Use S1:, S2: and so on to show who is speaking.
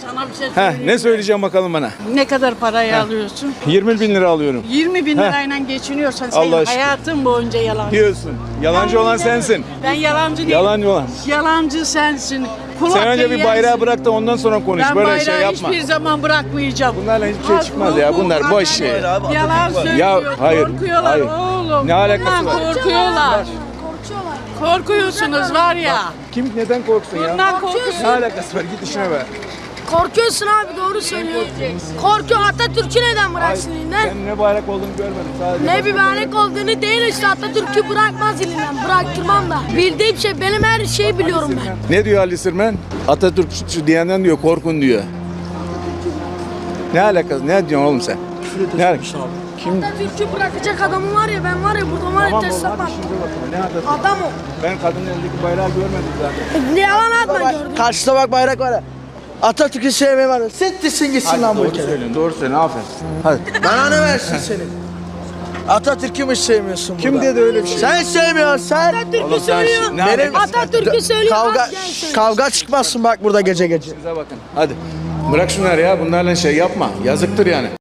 S1: Sana bir şey söyleyeyim.
S2: Ne söyleyeceğim bakalım bana?
S1: Ne kadar parayı alıyorsun?
S2: 20 bin lira alıyorum.
S1: 20 bin lirayla geçiniyorsan sen
S2: Allah aşkına.
S1: hayatın boyunca yalancı.
S2: Diyorsun. Yalancı olan sensin.
S1: Ben yalancı değilim.
S2: Yalancı olan.
S1: Yalancı sensin.
S2: Sen önce bir bayrağı bırak da ondan sonra konuş.
S1: Ben
S2: Böyle şey
S1: bayrağı
S2: yapma.
S1: hiçbir zaman bırakmayacağım.
S2: Bunlarla hiçbir şey çıkmaz ya. Bunlar boş şey.
S1: Yalan söylüyor.
S2: Ya hayır.
S1: Korkuyorlar
S2: Hayır.
S1: oğlum.
S2: Ne alakası
S1: Bundan
S2: var?
S1: Korkuyorlar. Korkuyorsunuz var ya.
S2: Kim neden korksun ya?
S1: Bundan korkuyorsun.
S2: Ne alakası var? Git işine be.
S3: Korkuyorsun abi, doğru söylüyorsun. Korkuyor, Atatürk'ü neden bıraksın elinden?
S2: Sen ne bayrak olduğunu görmedim. Sadece
S3: Ne bir bayrak olduğunu değil işte, Atatürk'ü bırakmaz elinden, bıraktırmam da. Bildiğim şey, benim her şeyi biliyorum ben.
S2: Ne diyor Ali Sirmen? Atatürkçü diyenden diyor korkun diyor. Ne alakası? Ne diyorsun oğlum sen? Ne alakası? Kim?
S3: Atatürk'ü bırakacak adamı var ya, ben var ya burada var ya ters yapmam.
S2: Ne Atatürk?
S3: Adam o.
S2: Ben kadının elindeki bayrağı görmedim zaten.
S3: Ne yalan atma gördüm.
S4: Karşıda bak bayrak var ya. Atatürk'ü sevmeyi var ya. Settirsin gitsin lan bu
S2: Doğru
S4: ülkede.
S2: söylüyorsun, doğru söylüyorsun. Aferin. Hadi.
S4: Bana ne versin seni? Atatürk'ü mü sevmiyorsun
S2: Kim
S4: burada?
S2: dedi öyle bir şey?
S4: Sen sevmiyorsun sen.
S3: Atatürk'ü
S2: Oğlum sen
S3: söylüyor.
S2: şimdi- ne
S4: Benim-
S2: alakası var?
S3: Atatürk'ü söylüyor.
S4: Kavga,
S3: az genç söylüyor.
S4: kavga çıkmazsın bak burada gece gece.
S2: Size bakın. Hadi. Bırak şunları ya. Bunlarla şey yapma. Yazıktır yani.